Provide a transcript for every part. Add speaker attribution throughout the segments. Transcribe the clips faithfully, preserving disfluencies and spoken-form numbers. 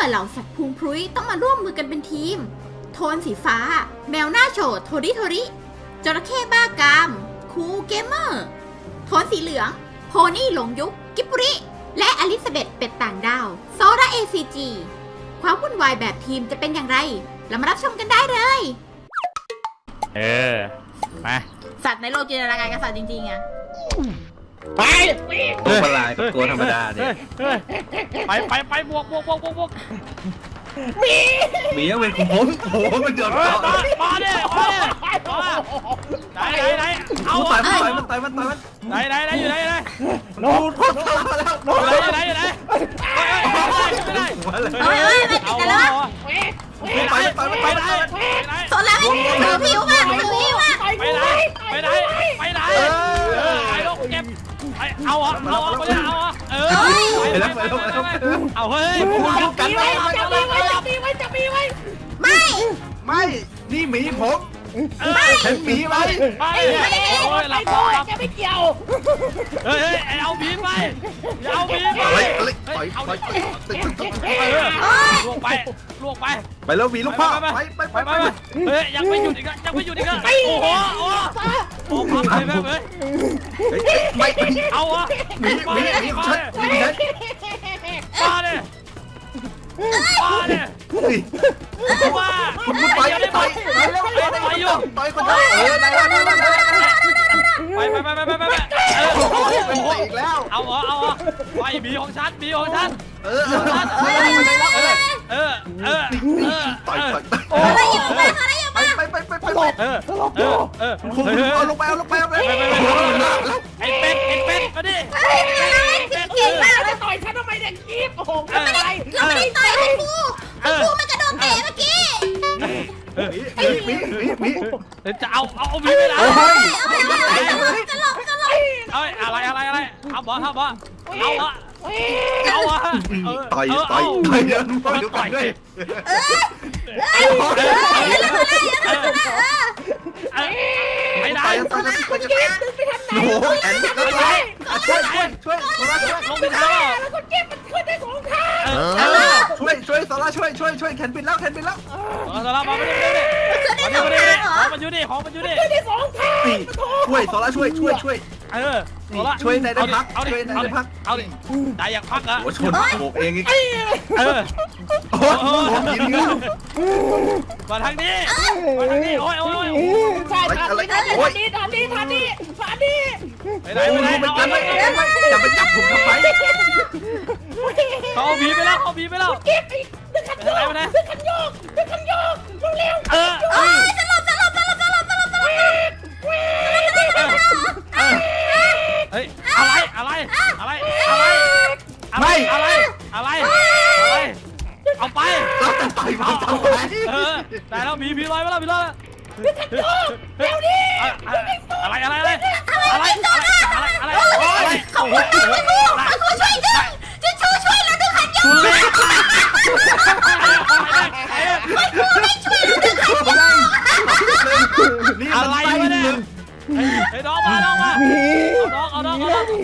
Speaker 1: อเหล่าสัตว์พุงพรุ้ยต้องมาร่วมมือกันเป็นทีมโทนสีฟ้าแมวหน้าโฉดโทริโทริจระเข้บ้ากามคูเกมเมอร์โทนสีเหลืองโพนี่หลงยุคกิบบุริและอลิซาเบธเป็ดต่างดาวโซรา เอ ซี จี ความวุ่นวายแบบทีมจะเป็นอย่างไรเรามารับชมกันได้เลย
Speaker 2: เออมา
Speaker 1: สัตว์ในโลกจินตนาการกับสัตว์จริงๆอะ
Speaker 3: ไป
Speaker 4: ตัวประหลาดกับตัวธรรมดาเนี่ย
Speaker 2: ไปไปไปบวกบวกบวกบวกบวก
Speaker 3: มี
Speaker 4: มียังเป็นของผมโอ้โหมันเดือดร้อน
Speaker 2: มามาเนี่ยมาเนี่ยไหนไหนไหนเอา
Speaker 4: ตายมันตายมันตายมันตายมัน
Speaker 2: ไหนไหนไหนอยู่ไหนไหน
Speaker 4: โน้ตโน้ตมาแล้วโน้ต
Speaker 2: อยู่ไหนอยู่ไหนไม่ได้ไม่ได้
Speaker 1: เฮ้ยเฮ้ยไม่ติดกันแล้ว
Speaker 4: ไปไปไปไป
Speaker 1: ไปโซล่าไม่ถือผิวมากถือผิวมาก
Speaker 2: ไปไหนไปไหนไปไหนเออไอ้ลูกเก็บเอาอ่ะเอาอ่ะไม่ได้เอาอ่ะเออไปแล้วไปแล้วเอาเฮ้ย
Speaker 3: จับมีไว้จับมีไว้จับมีไว้จับมีไว้
Speaker 1: ไม่
Speaker 4: ไม่นี่หมีผมฉันหมีไว้
Speaker 2: ไปโอ้ยหลับหลับ
Speaker 3: จะไม่เกี่ยว
Speaker 2: เฮ้ยเอาหมีไปเอาหมีไป
Speaker 4: เอาไป
Speaker 2: ลวกไปลวกไป
Speaker 4: ไปแล้วหมีลูกพ่อไปไปไปไป
Speaker 2: เฮ้ยยังไม่หยุดอีกอ่ะยังไม่หยุดอีกอ่ะโอ้โหโอ้โหพับไปแบบเฮ้ย
Speaker 4: ไม่
Speaker 2: เอาอ่ะ
Speaker 4: หมีหมีหมีฉันหมีฉัน
Speaker 2: มาเนี่ยมาเนี่ยมา
Speaker 4: คุณคุณไปไปไปอยู่ไปคนเดียวเออได้แล้วได้แล้ว
Speaker 2: ไปไปไปไปไปไปเออ
Speaker 4: อีกแล้ว
Speaker 2: เอาเหรอเอาเหรอไปบีของฉันบีของฉัน
Speaker 4: เออเออ
Speaker 2: เออเออเออ
Speaker 4: ต่อยต่อย
Speaker 1: โอ้ยอยู่ไปไป
Speaker 4: ไปไปไปไป
Speaker 2: เออเออเออ
Speaker 4: ผมเอาลงไปเอาลงไปเอาไป
Speaker 2: ไอ้เป็ดไอ้เป็ดมาดิ
Speaker 1: เก่งมาก
Speaker 3: จะต่อยฉันทำไมเนี่ยกีบโอ้โห
Speaker 1: ไม่ได้เราไม่ได้ต่อยคุณครูคุณครูมันกระโดดเตะเมื่อกี้
Speaker 4: มีมีมีมี
Speaker 2: จะเอาเอามีไปแล้ว
Speaker 1: จะหลบจะหลบ
Speaker 2: เอ้ยอะไรอะไรอะไรเอาบอลเอาบอลเอาอะเอาอะ
Speaker 4: ต่อยต่อยต่อยเดี๋ยวต่อยต่อยด้วย
Speaker 2: ไม่ได้
Speaker 4: ไปไปไปไปโอ้โหแอนช่วยช่วยช่วยโซล่าช่วย
Speaker 2: ลงไปเท้า
Speaker 3: แล้วก็เก็บมันขึ้นได้สองทาง
Speaker 4: ช่วยช่วยโซล่าช่วยช่วยช่วยแขนปิดแล้วแขนปิดแล้ว
Speaker 2: โซล่ามาไม่ได้ไม่ได้ไม่ได้ของมันอยู่ดิของมันอยู่ดิ
Speaker 3: ขึ้นได้สองทาง
Speaker 4: ช่วยโซล่าช่วยช่วยช่วย
Speaker 2: เออโซล่า
Speaker 4: ช่วยในได้พักช่วยในได้พัก
Speaker 2: เอาดิได้อยากพักอะ
Speaker 4: โอ้ชนโบกเองอีก
Speaker 2: เออ
Speaker 4: โอ้โหยิงแล้ว
Speaker 2: มาทางนี้มาทางนี้โอ้ยโอ้ย
Speaker 3: ใช่ทางนี้ทางนี้ทางนี้ทางนี้ทางนี้
Speaker 2: ไปไหนไปไหน
Speaker 4: เอาไปจะไปจับผมทำไม
Speaker 2: เขาบีไปแล้วเขาบีไปแล้ว
Speaker 3: เก็บดึงขันโยกดึงขันโยกดึงขันโยกเร็ว
Speaker 2: เออ
Speaker 1: เออจะหลบจะหลบจะหลบจะหลบจะหลบจะหลบ
Speaker 2: เฮ้ยอะไรอะไรอะไรอะไรอะไรอะไรอะไรอะไรเอาไป
Speaker 4: เราจะต่อยมันทำไม
Speaker 2: เออแต่เรามีพีลอยมาแล้วพีลอย
Speaker 3: เร็วดิ
Speaker 2: อะไรอะไรอะไรอะไรอะไรอะไรอะไร
Speaker 1: เขาช่วยดูเขาช่วยดึงจะช่วยช่วยเราดึงขันยกไม่ช่วยดึงขันยก
Speaker 4: นี่
Speaker 2: อะไรวะเนี่ยเฮ้ยน้องมาน้องมาเอาน้องเอาน้องเอาน้อง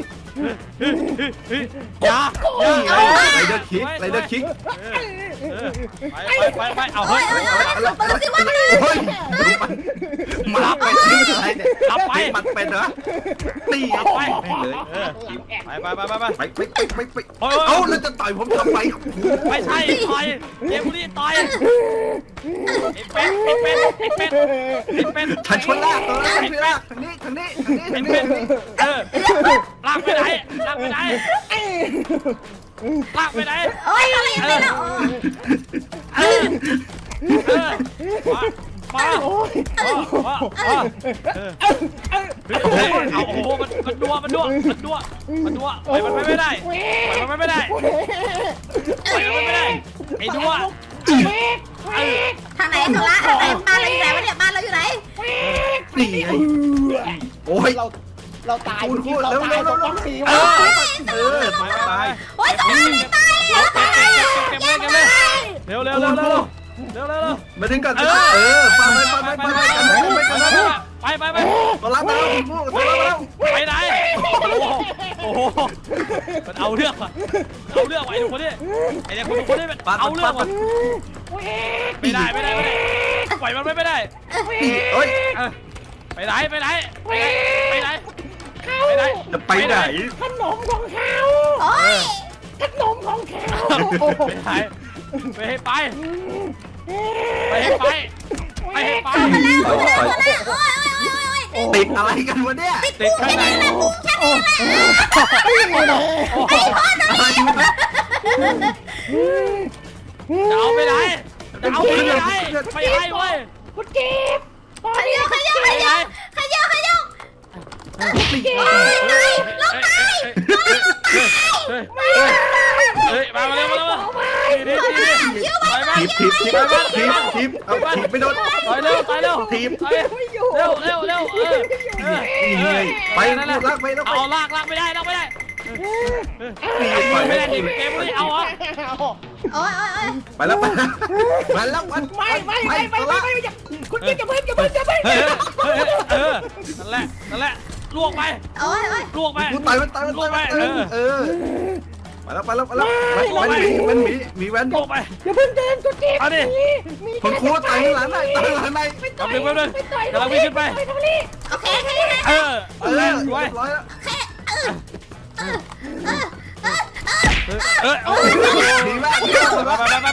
Speaker 2: อย่าอย่า
Speaker 4: ไรเดอร์คิกไรเดอร์คิก
Speaker 2: ไปไปไปเอาเฮ้ย
Speaker 4: มาไปที่อะไรเนี่ยรับไปมันเป็นเหรอตีไปเลย
Speaker 2: ไปไปไปไปไป
Speaker 4: ไปไปไปไปเอาแล้วจะต่อยผมทำไม
Speaker 2: ไม่ใช่ต่อยเดี๋ยวนี้ต่อยไอ้เป็ดไอ้เป็ดไอ้เป็ดไอ้เป็ด
Speaker 4: ฉันชวนลากตัวแล้วฉันลากทางนี้ทางนี้ทางนี้ทางนี้
Speaker 2: เออลากไปไหนลากไปไหนลากไปไหน
Speaker 1: โอ้ยอะไรอย่างเงี้ย
Speaker 2: เออเออมาโอ้ยเอาโอ้โหมันมันดัวมันดัวมันดัวมันดัวไปมันไปไม่ได้ไปมันไม่ได้ไปมันไม่ได้ไอ้ดัว
Speaker 1: ทางไหนโซล่าทางไหนบ้านเราอยู่ไหนวะเนี่ยบ้านเราอยู่ไหน
Speaker 4: นี่ไงโอ้ย
Speaker 3: เราเราตายคุณเราตายเราต้องสีวะ
Speaker 4: เออตายตาย
Speaker 1: โอ้ยโซล่าไม่ตายอ่ะตายอ่ะ
Speaker 2: เร็วเร็วเร็วเร็วเร็วเร็วเร็ว
Speaker 4: มาถึงกันเออไปไปไปไปไปไปไปไป
Speaker 2: ไปไปไป
Speaker 4: ตัวรับมาแล้วคุณผู้ตัวรับมาแล้ว
Speaker 2: ไปไหนโอ้โหมันเอาเรื่องว่ะเอาเรื่องว่ะไอ้คนนี้ไอ้เด็กคนคนนี้มันเอาเรื่องว่ะไม่ได้ไม่ได้ไม่ได้ปล่อยมันไม่ได้
Speaker 4: เฮ้ย
Speaker 2: ไปไหนไปไหนไปไหนไปไหนไปไหน
Speaker 4: จะไปไหน
Speaker 3: ขนมของเขา
Speaker 1: โอ้ย
Speaker 3: ขนมของเขา
Speaker 2: ไปไหนไปให้ไปไปให้ไปไปให้ไป
Speaker 1: โอ้ยโอ้ยโอ้ยโอ้ย
Speaker 4: ติดอะไรกันวะเนี่ย
Speaker 2: ติดข้างใน
Speaker 1: แค่นี้แหละ
Speaker 3: ไม่ไหน
Speaker 4: อะไรวะ
Speaker 2: จะเอาไปไหนจะเอาไปไหนไปให้เว้ย
Speaker 3: คุณเก็บ
Speaker 1: ขยับขยับขยับขยับขยับ
Speaker 2: โอ้ยตายลูกตายเฮ้ยเฮ้ยมาเร็วมาเร็วมาดีดีดีไปมา
Speaker 4: ทีบทีบทีบทีบทีบเอาทีบไม่โดน
Speaker 2: ไปเร็วไปเร็ว
Speaker 4: ทีบ
Speaker 2: เร็วเร็วเร็วเออเออ
Speaker 4: นี่ไงไปลากไปแล้วไป
Speaker 2: เอาลากลากไม่ได้ลากไม่ได้
Speaker 4: นี่ปล่อย
Speaker 2: ไม่
Speaker 4: ไม่
Speaker 2: ได้
Speaker 4: ได้
Speaker 2: ดิเกมไม่เอาอ่ะ
Speaker 1: โอ้ยโอ้ยโอ้ย
Speaker 4: ไปแล้วไปไปแล้วมัน
Speaker 3: ไม่ไม่ไม่ไม่ไม่ไม่คุณเก็บจะเพิ่งจะเพิ่งจะเพิ่ง
Speaker 2: เฮ้ยเฮ้ยเออนั่นแหละนั่นแหละลวกไป
Speaker 1: โอ้ยโอ้ย
Speaker 2: ลวกไป
Speaker 4: กูตายมันตายมันตายเออไปแล้วไปแล้วไปแล้วมันมีมันมีมีแว่น
Speaker 2: ลวกไป
Speaker 3: อย่าเพิ่งเดินคุณเก็บ
Speaker 2: เอาดิ
Speaker 4: คนครูตายหลังไหนตายหลังไหน
Speaker 2: กำลังไปเลยกำลังวิ่งขึ้นไป
Speaker 1: โอเคโอเค
Speaker 2: เออ
Speaker 4: เอ
Speaker 2: เอ
Speaker 4: อ
Speaker 2: อ
Speaker 4: เรี
Speaker 2: ไว้
Speaker 4: ยบร้อยแล้ว
Speaker 2: เออเออ
Speaker 4: ดีมากดีมาก
Speaker 2: ไปไปไปไปไปไปไปไปไป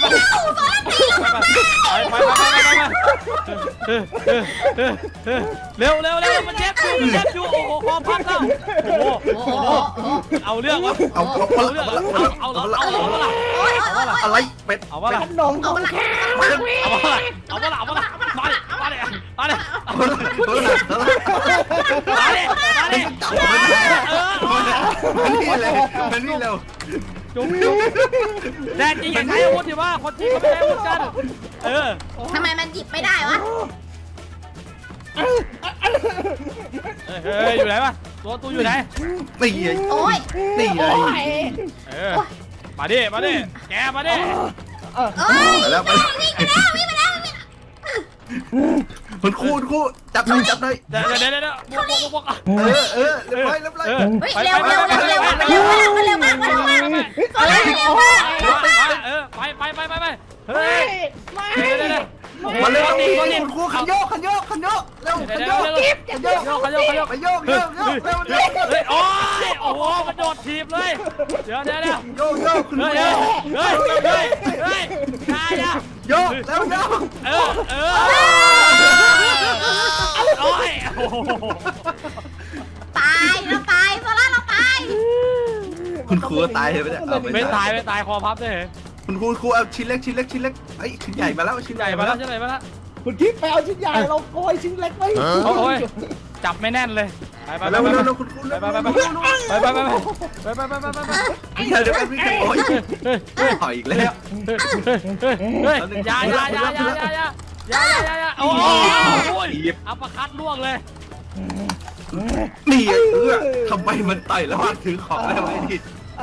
Speaker 2: เร็วเร็วเร็วมันเจ็บอยู่มันเจ็บอยู่โอ้โหคอพับแล้วโอ้โห
Speaker 1: โอ้โห
Speaker 2: เอาเรื่องวะ
Speaker 4: เอาเอา
Speaker 2: เอา
Speaker 4: เอา
Speaker 2: เรื่อง
Speaker 4: เอา
Speaker 2: เอาเอาเอาเอาเอา
Speaker 1: โอ้ยโอ้ย
Speaker 4: อะไรเป็ด
Speaker 2: เอาวะล่ะ
Speaker 3: ขนมของเขา
Speaker 2: เอาวะล่ะเอาวะล่ะเอาวะล่ะมาดิมาดิมาดิ
Speaker 4: เอาละเอาละเอาละ
Speaker 2: มาดิมาดิ
Speaker 4: จับมันได้
Speaker 2: เออ
Speaker 4: มันนี่เลยมันนี่เร็ว
Speaker 2: จุ๊บจุ๊บแน่จริงอย่าใช้อาวุธดิว่าคนจริงเขาไม่ใช้อาวุธกันเออ
Speaker 1: ทำไมมันหยิบไม่ได้วะ
Speaker 2: เฮ้ยอยู่ไหนวะตัวตัวอยู่ไหน
Speaker 4: นี่ไง
Speaker 1: โอ้ย
Speaker 4: นี่ไง
Speaker 2: เออมาดิมาดิแกมาดิ
Speaker 1: โอ้ย
Speaker 4: ไปแล้วไป
Speaker 1: วิ่งไปแล้ววิ่งไปแล้ววิ่งไปแล้ว
Speaker 4: คุณครูคุณครูจับหน่อยจับหน่อย
Speaker 2: เดี๋ยวเดี๋ยวเดี๋ยวบวกบวกบวก
Speaker 4: เออเออเรียบร้อยเรียบร้อย
Speaker 1: เฮ้ยเร็วเร็วเร็วเร็วมันเร็วมากมันเร็วมากมันเร็วมากโอ้ยเร็วมาก
Speaker 2: เออไปไปไปไปไปเฮ้
Speaker 3: ไม่
Speaker 2: ย
Speaker 3: ไม่
Speaker 2: เดี๋ยวเดี๋ยว
Speaker 4: มาเร็ว
Speaker 2: นี่นี่
Speaker 4: คุณครูขันโยกขันโยกขันโยกเร็วขันโยก
Speaker 2: เดี๋ยวเดี๋ยวเดี๋ยวโยกโยกโยก
Speaker 4: ไปโยกโยกโยกเร็วเร็ว
Speaker 2: เฮ้ยโอ้ยโอ้โหมันโดดถีบเลยเดี๋ยวเดี๋ยวเดี๋ยว
Speaker 4: โยกโยกคุณค
Speaker 2: เฮ้
Speaker 4: รู
Speaker 2: ยเฮ้ยเฮ้ยเฮ้ยตายอ่ะ
Speaker 4: โยกเร็วโยก
Speaker 2: เออเออโอ้ยโอ้โห
Speaker 1: ตายเราตายโซล่าเราตาย
Speaker 4: คุณครูตายเลยไม่ได้
Speaker 2: ไม่ตายไม่ตายคอพับเลย
Speaker 4: คุณครูครูเอาชิ้นเล็กชิ้นเล็กชิ้นเล็กไอ้ชิ้นใหญ่มาแล้วชิ้น
Speaker 2: ให
Speaker 4: ให
Speaker 2: ญ่
Speaker 4: ญ่
Speaker 2: มา
Speaker 4: มา
Speaker 2: แล้
Speaker 4: แล้ว ว
Speaker 2: ใช่ไหมมาแล้ว
Speaker 3: คุณคิดไปเอาชิ้นใหญ่เราโกยชิ้นเล็กไว้
Speaker 2: โอ้ยจับไม่แน่นเลยไปไปไป
Speaker 4: เร็ว
Speaker 2: ไป
Speaker 4: เร็ว
Speaker 2: ไป
Speaker 4: เร็วคุณครู
Speaker 2: ไป
Speaker 4: เร็ว
Speaker 2: ไป
Speaker 4: เร็ว
Speaker 2: ไป
Speaker 4: เร็ว
Speaker 2: ไปไปไปไปไปไปไปไป
Speaker 4: วิ่งเดี๋ยวกันวิ่งกันโอ้ยถอยอีกแล้ว
Speaker 2: เฮ้ยยายายายายายายายายาโอ้ยอัปคัดล่วงเลย
Speaker 4: นี่เออทำไมมันต่อยแล้วมันถือของได้ไหมดิ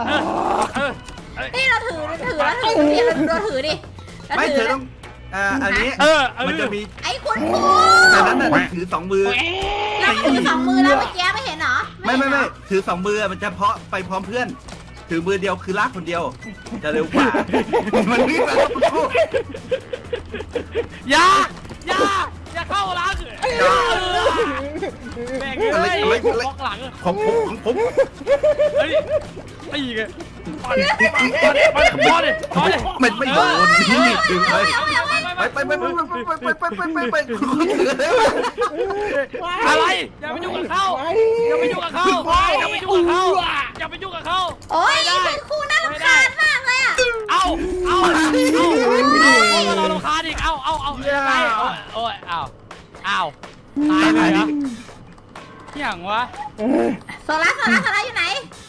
Speaker 1: นี่เราถือถือแล้วถือดิเราถือดิ
Speaker 4: ไม่เธอต้องอ่าอันนี้
Speaker 2: เออ
Speaker 4: มันจะมี
Speaker 1: ไอ้คุณครู
Speaker 4: แต่นั้นน่ะถือสองมือ
Speaker 1: เราถือสองมือแล้วเมื่อกี้ไม่เห็นเหรอ
Speaker 4: ไม่ไม่ไม่ถือสองมือมันจะเพาะไปพร้อมเพื่อน ถือมือเดียวคือลากคนเดียว จะเร็วกว่า มันวิ่งแล้วคุณครู
Speaker 2: อย่าอย่าอย่าเข้าหลังแม่งเลยบล็อกหลัง
Speaker 4: ของผมของผม
Speaker 2: เฮ้ยตีไงมาดิมาดิมาดิมาดิมาดิ
Speaker 4: มันไม่โดนนี่ถึงไป
Speaker 2: ไป
Speaker 4: ไปไปไปไปไปไปไปไปไปไปคุณครูถือเลย
Speaker 2: อะไรอย่าไปยุ่งกับเขาอย่าไปยุ่งกับเขาอย่าไปยุ่งกับเขาอย่าไปยุ่งกับเขา
Speaker 1: โอ้ยคุณครูน่ารำคาญมากเลยอ่ะ
Speaker 2: เอาเอาเอาเราเราคาดิเอาเอาเอาไปโอ้ยเอาเอาตายเลยนะอย่างวะ
Speaker 1: โซล่าโซล่าโซล่าอยู่ไหน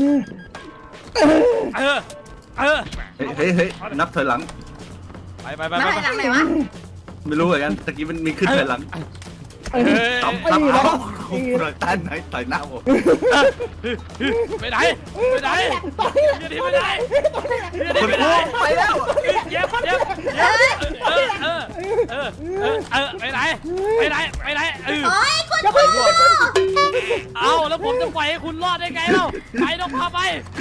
Speaker 2: เออเออ
Speaker 4: เฮ้ยเฮ้ยนับถอยหลัง
Speaker 2: ไปไปไป
Speaker 1: มา
Speaker 2: ไป
Speaker 1: ไหนหลังไหนวะ
Speaker 4: ไม่รู้เหมือนกันตะกี้มันมีขึ้นถอยหลัง
Speaker 2: เฮ้ย
Speaker 4: ตับตับเอาคุณครูต้านไหนต่อยหน้าผม
Speaker 2: ไปไหนไปไหนอย่าดีไปไหนอย่าดี
Speaker 4: คุณ
Speaker 2: ไป
Speaker 4: ค
Speaker 2: ไหน
Speaker 4: รูไปแล้ว
Speaker 2: เย็บเย็บเย็บเออเออเออเออเออไปไหนไปไหนไปไหนเออ
Speaker 1: โอ้ยคุณครู
Speaker 2: เอาแล้วผมจะปล่อยให้คุณรอดได้ไงเล่าไปต้องพาไป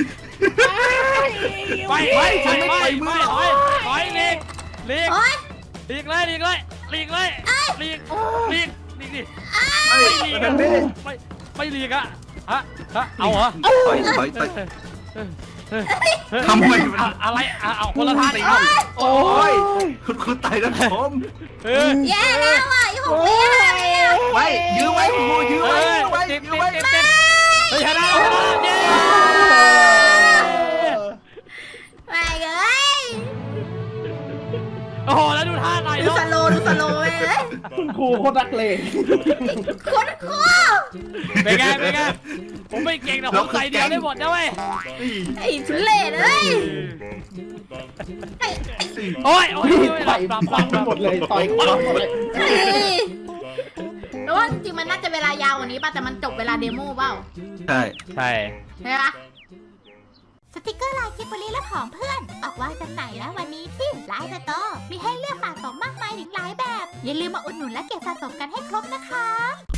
Speaker 2: ไปไปไปไปไปถอยถอยหลีกหลีก
Speaker 1: โอ๊ย
Speaker 2: หลีกเลยหลีกเลยหลีกเลยหลีกหลีกหลีกดิ
Speaker 4: ไม่
Speaker 2: ไม่หลีก
Speaker 4: ทางนี้
Speaker 2: ไม่ไม่หลีกอะฮะฮะเอาเหรอ
Speaker 4: ต่อยต่อยต่อยทำไมมัน
Speaker 2: อะอะไรอะเอาคนละท่าดิ
Speaker 4: โอ้ยคุณคุณไต่นะผม
Speaker 2: เออ
Speaker 1: แย่แล้วอ่ะอีหกปีอะไรอ่ะ
Speaker 4: ไม่ยื้อไว้คุณครูยื้อ
Speaker 2: เฮ้
Speaker 4: ไว้
Speaker 2: ย
Speaker 4: ยื้อไว้
Speaker 2: เจ็บ
Speaker 4: ยื้อ
Speaker 2: เจ็
Speaker 4: ไว้
Speaker 2: บเจ็บเฮ้ยชนะชนะเย้
Speaker 1: แม่เอ้ย
Speaker 2: โอ้โหแล้วดูท่าหน่อย
Speaker 1: ดู
Speaker 2: เนาะ
Speaker 1: สโลว์ดูสโลว์เลย
Speaker 3: คุณครูโคตรรักเลง
Speaker 1: คุณครู
Speaker 2: เป็นไงเป็นไงผมไม่เก่งแต่ผมใส่เดียวได้หมดนะเว้ย
Speaker 1: ไอ้ทุเล่เลยไอ้ไอ้
Speaker 2: โอ้ยโอ้ยโอ้ย
Speaker 3: ต่อย
Speaker 2: ปรับป
Speaker 3: ฟั
Speaker 2: รั
Speaker 3: ง
Speaker 2: บปรับ
Speaker 3: หมดเลยต่อยคว้างหมดเลย
Speaker 1: ไอ้แล้วว่าจริงๆมันน่าจะเวลายาวกว่านี้ป่ะแต่มันจบเวลาเดโมเปล่า
Speaker 4: ใช่
Speaker 2: ใช่
Speaker 1: ใช่ปะสติกเกอร์ลายกิบบลีและของเพื่อน ออกวางจำหน่ายแล้ววันนี้ที่ไลน์สโตร์มีให้เลือกสะสมมากมายถึงหลายแบบ อย่าลืมมาอุดหนุนและเก็บสะสมกันให้ครบนะคะ